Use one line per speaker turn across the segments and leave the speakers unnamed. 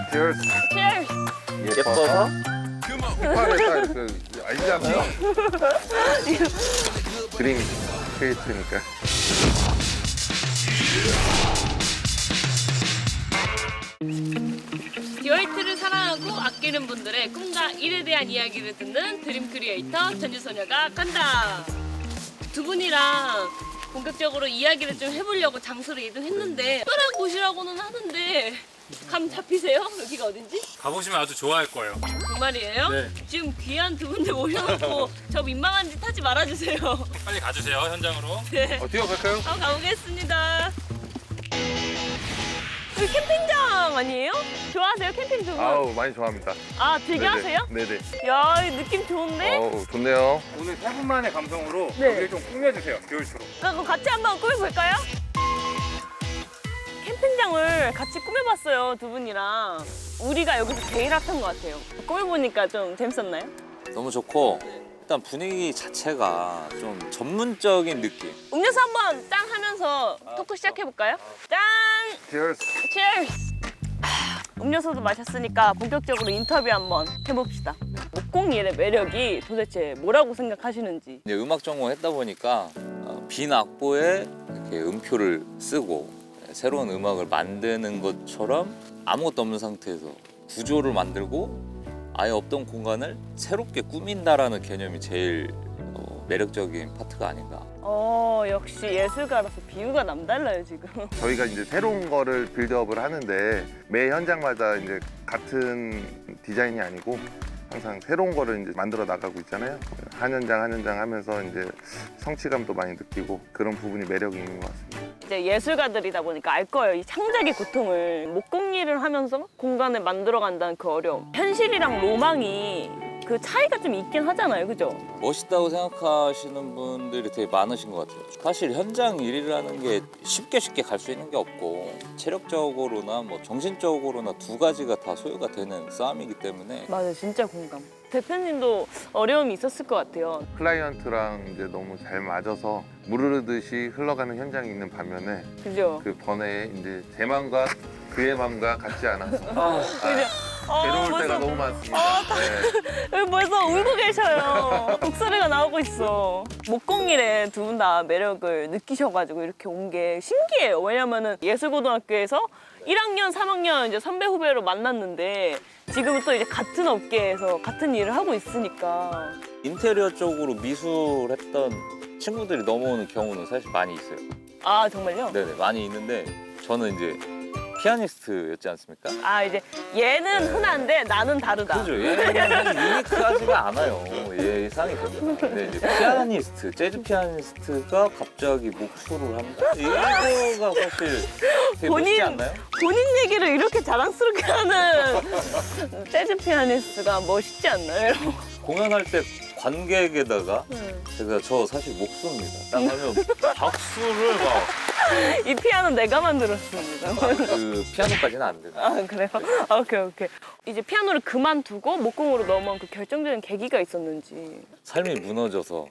Cheers.
Cheers.
예뻐서?
힙합에 그 알잖아요. 드림 스테이트니까.
듀얼트를 사랑하고 아끼는 분들의 꿈과 일에 대한 이야기를 듣는 드림 크리에이터 전주소녀가 간다. 두 분이랑 본격적으로 이야기를 좀 해보려고 장소를 이동했는데 특별한 곳이라고는 하는데 감 잡히세요? 여기가 어딘지?
가보시면 아주 좋아할 거예요.
정말이에요?
네.
지금 귀한 두 분들 모셔놓고 저 민망한 짓 하지 말아주세요.
빨리 가주세요, 현장으로.
네.
뛰어갈까요?
가보겠습니다. 여기 캠핑장 아니에요? 좋아하세요 캠핑 두 분?
아우 많이 좋아합니다.
아 즐겨 하세요?
네네.
야, 이 느낌 좋은데?
어우 좋네요.
오늘 세 분만의 감성으로
네.
여기를 좀 꾸며주세요, 듀얼트로.
그럼 같이 한번 꾸며볼까요? 캠핑장을 같이 꾸며봤어요, 두 분이랑. 우리가 여기서 제일 핫한 것 같아요. 꾸며보니까 좀 재밌었나요?
너무 좋고 일단 분위기 자체가 좀 전문적인 느낌.
음료수 한번 짠 하면서 토크 시작해볼까요? 짠!
Cheers.
Cheers! 음료수도 마셨으니까 본격적으로 인터뷰 한번 해봅시다. 목공일의 매력이 도대체 뭐라고 생각하시는지.
이제 음악 전공했다 보니까 빈 악보에 이렇게 음표를 쓰고 새로운 음악을 만드는 것처럼 아무것도 없는 상태에서 구조를 만들고 아예 없던 공간을 새롭게 꾸민다라는 개념이 제일 매력적인 파트가 아닌가.
역시 예술가라서 비유가 남달라요, 지금.
저희가 이제 새로운 거를 빌드업을 하는데 매 현장마다 이제 같은 디자인이 아니고 항상 새로운 거를 이제 만들어 나가고 있잖아요. 한 현장 한 현장 하면서 이제 성취감도 많이 느끼고 그런 부분이 매력이 있는 것 같습니다.
이제 예술가들이다 보니까 알 거예요. 이 창작의 고통을 목공일을 하면서 공간을 만들어 간다는 그 어려움. 현실이랑 로망이 그 차이가 좀 있긴 하잖아요, 그죠?
멋있다고 생각하시는 분들이 되게 많으신 것 같아요. 사실 현장 일이라는 게 쉽게 갈 수 있는 게 없고 체력적으로나 뭐 정신적으로나 두 가지가 다 소요가 되는 싸움이기 때문에
맞아요, 진짜 공감. 대표님도 어려움이 있었을 것 같아요.
클라이언트랑 이제 너무 잘 맞아서 무르르듯이 흘러가는 현장이 있는 반면에
그죠?
그 번외에 이제 제 마음과 그의 마음과 같지 않아서
그죠?
괴로울 때가 너무 많습니다. 네.
여기 벌써 울고 계셔요. 목소리가 나오고 있어. 목공일에 두 분 다 매력을 느끼셔가지고 이렇게 온 게 신기해요. 왜냐면은 예술고등학교에서 1학년, 3학년 이제 선배 후배로 만났는데 지금은 또 이제 같은 업계에서 같은 일을 하고 있으니까.
인테리어 쪽으로 미술했던 친구들이 넘어오는 경우는 사실 많이 있어요.
아, 정말요?
네네, 많이 있는데 저는 이제 피아니스트였지 않습니까?
아, 이제 얘는 흔한데 나는 다르다.
그죠. 얘는 사실 유니크하지가 않아요. 예상이 됩니다. 근데 이제 피아니스트, 재즈 피아니스트가 갑자기 목소를 한다? 이거가 사실 되게 멋있지 않나요?
본인 얘기를 이렇게 자랑스럽게 하는 재즈 피아니스트가 멋있지 않나요?
공연할 때 관객에다가 제가 저 사실 못 씁니다. 딱 하면 박수를 막
이 피아노 내가 만들었습니다.
그 피아노까지는 안 돼요.
아, 그래요? 오케이. 이제 피아노를 그만두고 목공으로 넘어온 그 결정적인 계기가 있었는지.
삶이 무너져서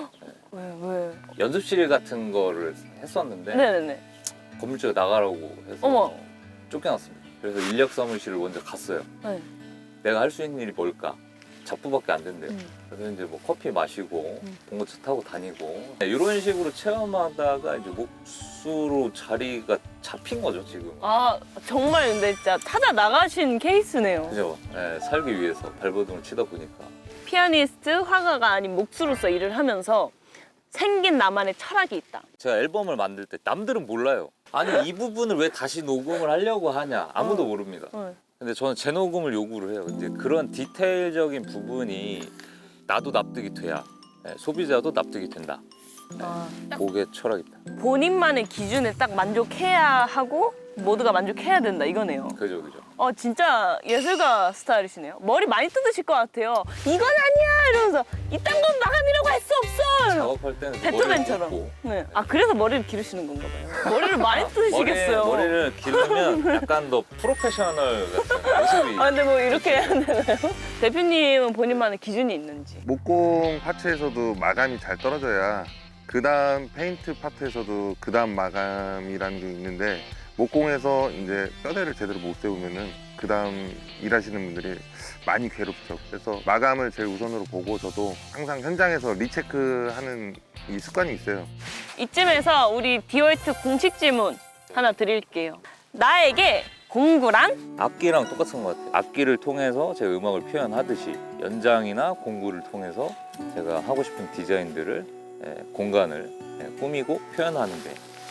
왜?
연습실 같은 거를 했었는데
네네네.
건물주가 나가라고 해서
어머.
쫓겨났습니다. 그래서 인력 사무실을 먼저 갔어요.
네.
내가 할 수 있는 일이 뭘까? 작부밖에 안 된대요. 그래서 이제 뭐 커피 마시고 봉고차 타고 다니고 이런 식으로 체험하다가 이제 목수로 자리가 잡힌 거죠 지금.
아, 정말 근데 진짜 찾아 나가신 케이스네요.
그죠? 네, 살기 위해서 발버둥을 치다 보니까.
피아니스트, 화가가 아닌 목수로서 일을 하면서 생긴 나만의 철학이 있다.
제가 앨범을 만들 때 남들은 몰라요. 아니 이 부분을 왜 다시 녹음을 하려고 하냐 아무도 모릅니다. 근데 저는 재녹음을 요구를 해요. 이제 그런 디테일적인 부분이 나도 납득이 돼야 소비자도 납득이 된다. 그게 철학이다.
본인만의 기준에 딱 만족해야 하고 모두가 만족해야 된다 이거네요.
그죠.
진짜 예술가 스타일이시네요. 머리 많이 뜯으실 것 같아요. 이건 아니야 이러면서 이딴 건 마감이라고 할 수 없어.
작업할 때는
배트맨처럼.
머리를
네. 아, 그래서 머리를 기르시는 건가 봐요. 머리를 많이 뜯으시겠어요.
머리를 기르면 약간 더 프로페셔널 같은 모습이.
아, 근데 뭐 이렇게 해야 되나요? 대표님은 본인만의 기준이 있는지.
목공 파트에서도 마감이 잘 떨어져야 그 다음 페인트 파트에서도 그 다음 마감이라는 게 있는데 목공에서 이제 뼈대를 제대로 못 세우면은 그 다음 일하시는 분들이 많이 괴롭죠. 그래서 마감을 제일 우선으로 보고 저도 항상 현장에서 리체크하는 이 습관이 있어요.
이쯤에서 우리 디월트 공식 질문 하나 드릴게요. 나에게 공구란?
악기랑 똑같은 것 같아요. 악기를 통해서 제 음악을 표현하듯이 연장이나 공구를 통해서 제가 하고 싶은 디자인들을 공간을 꾸미고 표현하는데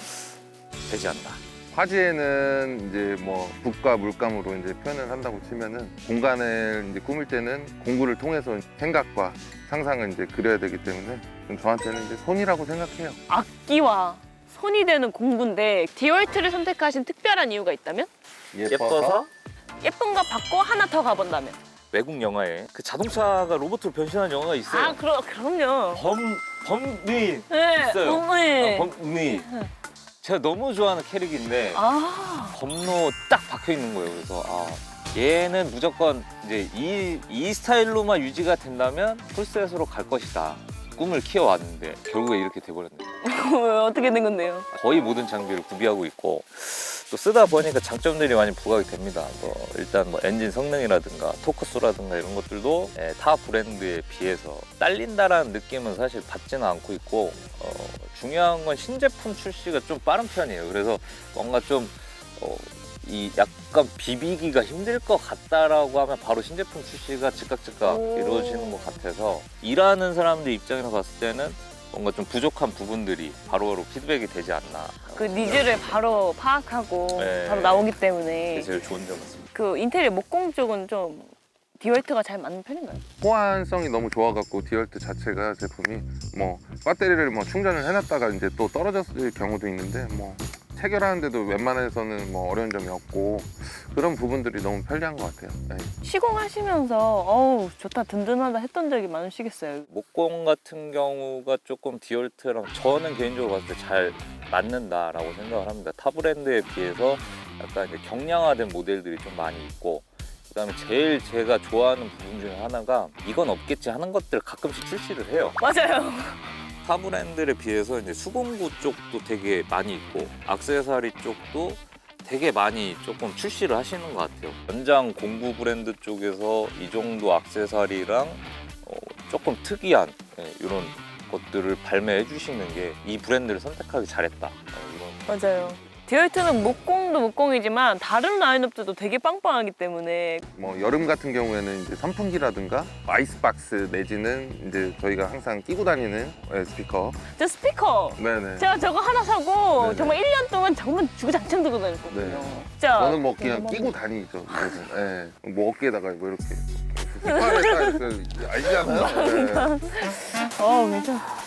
되지 않나.
화지에는 이제 뭐 붓과 물감으로 이제 표현을 한다고 치면은 공간을 이제 꾸밀 때는 공구를 통해서 생각과 상상을 이제 그려야 되기 때문에 좀 저한테는 이제 손이라고 생각해요.
악기와 손이 되는 공구인데 디월트를 선택하신 특별한 이유가 있다면?
예뻐서
예쁜 거 받고 하나 더 가본다면?
외국 영화에 그 자동차가 로봇으로 변신하는 영화가 있어요.
아 그럼요.
범니
네.
있어요.
네.
범니. 제가 너무 좋아하는 캐릭인데
아
범로 딱 박혀 있는 거예요. 그래서 얘는 무조건 이제 이 스타일로만 유지가 된다면 풀셋으로 갈 것이다. 꿈을 키워왔는데 결국에 이렇게 돼버렸네요.
어떻게 된 건데요?
거의 모든 장비를 구비하고 있고 또 쓰다 보니까 장점들이 많이 부각이 됩니다. 일단 엔진 성능이라든가 토크수라든가 이런 것들도 타 브랜드에 비해서 딸린다라는 느낌은 사실 받지는 않고 있고 중요한 건 신제품 출시가 좀 빠른 편이에요. 그래서 뭔가 좀 이 약간 비비기가 힘들 것 같다라고 하면 바로 신제품 출시가 즉각
오.
이루어지는 것 같아서 일하는 사람들 입장에서 봤을 때는 뭔가 좀 부족한 부분들이 바로바로 피드백이 되지 않나.
그 니즈를 바로 파악하고
네.
바로 나오기 때문에
그게 제일 좋은 점 같습니다.
그 인테리어 목공 쪽은 좀 디월트가 잘 맞는 편인가요?
호환성이 너무 좋아갖고 디월트 자체가 제품이 뭐 배터리를 뭐 충전을 해놨다가 이제 또 떨어졌을 경우도 있는데 뭐 체결하는데도 웬만해서는 뭐 어려운 점이 없고 그런 부분들이 너무 편리한 것 같아요. 네.
시공하시면서 어우 좋다 든든하다 했던 적이 많으시겠어요.
목공 같은 경우가 조금 디올트랑 저는 개인적으로 봤을 때 잘 맞는다라고 생각을 합니다. 타 브랜드에 비해서 약간 이제 경량화된 모델들이 좀 많이 있고 그다음에 제일 제가 좋아하는 부분 중에 하나가 이건 없겠지 하는 것들 가끔씩 출시를 해요.
맞아요.
타 브랜드에 비해서 이제 수공구 쪽도 되게 많이 있고 액세서리 쪽도 되게 많이 조금 출시를 하시는 것 같아요. 연장 공구 브랜드 쪽에서 이 정도 액세서리랑 조금 특이한 이런 것들을 발매해 주시는 게 이 브랜드를 선택하기 잘했다. 이런
맞아요. 디월트는 목공도 목공이지만 다른 라인업들도 되게 빵빵하기 때문에
뭐 여름 같은 경우에는 이제 선풍기라든가 아이스박스 내지는 이제 저희가 항상 끼고 다니는 스피커.
저 스피커
네네.
제가 저거 하나 사고
네네.
정말 1년 동안 정말 주구장창 들고 다녔거든요.
네.
진짜
저는 뭐 그냥 끼고 다니죠. 이것은. 예. 뭐 어깨에다가 뭐 이렇게 휘파를 딱 알잖아요.
괜찮아.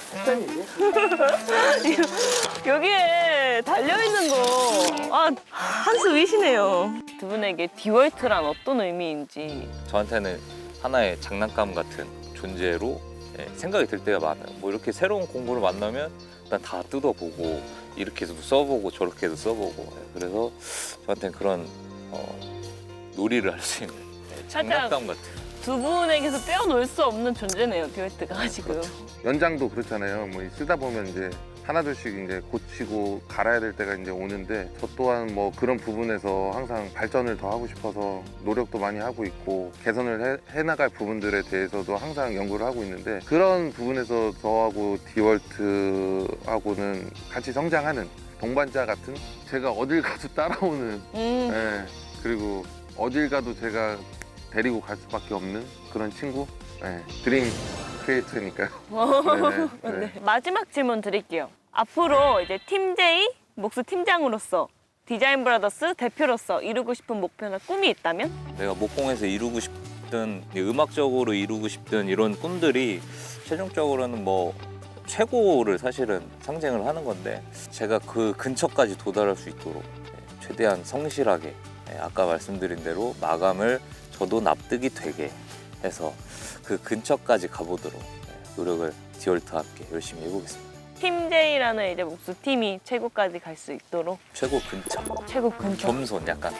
여기에 달려있는 거 한수 위시네요. 두 분에게 디월트란 어떤 의미인지.
저한테는 하나의 장난감 같은 존재로 생각이 들 때가 많아요. 뭐 이렇게 새로운 공구를 만나면 일단 다 뜯어보고 이렇게 해서도 써보고 저렇게 해서 써보고 그래서 저한테는 그런 놀이를 할 수 있는 장난감 같은.
두 분에게서 떼어놓을 수 없는 존재네요, 디월트가 지금.
연장도 그렇잖아요. 뭐 쓰다 보면 이제 하나둘씩 이제 고치고 갈아야 될 때가 이제 오는데 저 또한 뭐 그런 부분에서 항상 발전을 더 하고 싶어서 노력도 많이 하고 있고 개선을 해나갈 부분들에 대해서도 항상 연구를 하고 있는데 그런 부분에서 저하고 디월트하고는 같이 성장하는 동반자 같은 제가 어딜 가도 따라오는 예, 그리고 어딜 가도 제가 데리고 갈 수밖에 없는 그런 친구 예, 드림 크리에이터니까요. 네.
네. 마지막 질문 드릴게요. 앞으로 이제 팀 J 목수 팀장으로서 디자인 브라더스 대표로서 이루고 싶은 목표나 꿈이 있다면?
내가 목공에서 이루고 싶든 음악적으로 이루고 싶든 이런 꿈들이 최종적으로는 뭐 최고를 사실은 상징을 하는 건데 제가 그 근처까지 도달할 수 있도록 최대한 성실하게 아까 말씀드린 대로 마감을 저도 납득이 되게 해서 그 근처까지 가보도록 노력을 디월트와 함께 열심히 해보겠습니다.
팀 J라는 이제 목수 팀이 최고까지 갈 수 있도록
최고 근처,
최고 근처.
겸손 약간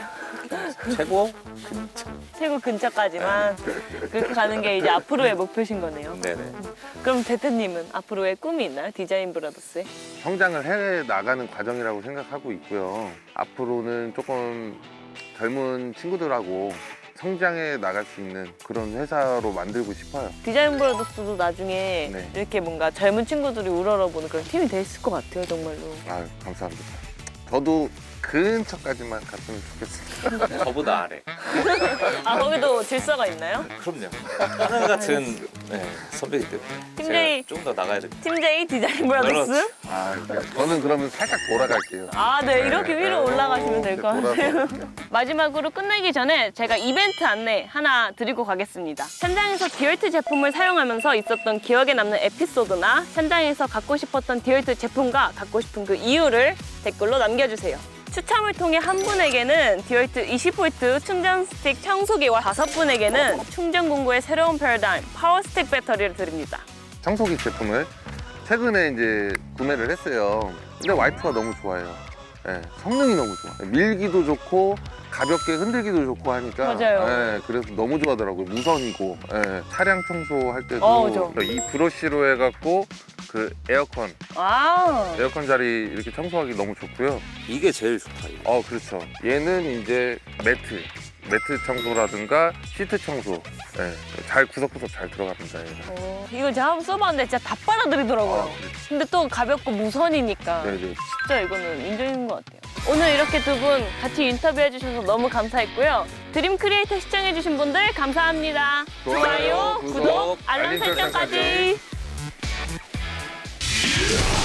최고?
최고 근처까지만 그렇게 가는 게 이제 앞으로의 목표신 거네요.
네네.
그럼 대표님은 앞으로의 꿈이 있나요? 디자인 브라더스에?
성장을 해 나가는 과정이라고 생각하고 있고요. 앞으로는 조금 젊은 친구들하고 성장해 나갈 수 있는 그런 회사로 만들고 싶어요.
디자인 브라더스도 나중에
네.
이렇게 뭔가 젊은 친구들이 우러러보는 그런 팀이 돼 있을 것 같아요, 정말로.
아유, 감사합니다. 저도 근처까지만 갔으면 좋겠습니다.
저보다 아래.
아, 거기도 질서가 있나요?
그럼요. 하늘 같은 선배이기 때문에
팀장이-
제가 좀 더 나가야 됩니다.
팀 J 디자인 브라더스?
그렇지.
아, 저는 그러면 살짝 돌아갈게요.
아, 네, 이렇게 위로 올라가시면 될 것 같아요.
돌아서.
마지막으로 끝내기 전에 제가 이벤트 안내 하나 드리고 가겠습니다. 현장에서 디얼트 제품을 사용하면서 있었던 기억에 남는 에피소드나 현장에서 갖고 싶었던 디얼트 제품과 갖고 싶은 그 이유를 댓글로 남겨주세요. 추첨을 통해 한 분에게는 디얼트 20V 충전 스틱 청소기와 5분에게는 충전 공구의 새로운 패러다임 파워스틱 배터리를 드립니다.
청소기 제품을 최근에 이제 구매를 했어요. 근데 와이프가 너무 좋아해요. 예, 성능이 너무 좋아. 밀기도 좋고 가볍게 흔들기도 좋고 하니까.
맞아요.
예, 그래서 너무 좋아하더라고요. 무선이고 차량 청소할 때도
그죠.
이 브러쉬로 해갖고 그 에어컨 자리 이렇게 청소하기 너무 좋고요.
이게 제일 좋다. 이거.
그렇죠. 얘는 이제 매트 청소라든가 시트 청소, 잘 구석구석 잘 들어갑니다. 얘는.
이거 제가 한번 써봤는데 진짜 다 빨아들이더라고요. 근데 또 가볍고 무선이니까
네네.
진짜 이거는 인정인 것 같아요. 오늘 이렇게 두 분 같이 인터뷰해 주셔서 너무 감사했고요. 드림 크리에이터 시청해 주신 분들 감사합니다.
좋아요,
구독, 알람
알림
설정까지.
설정까지.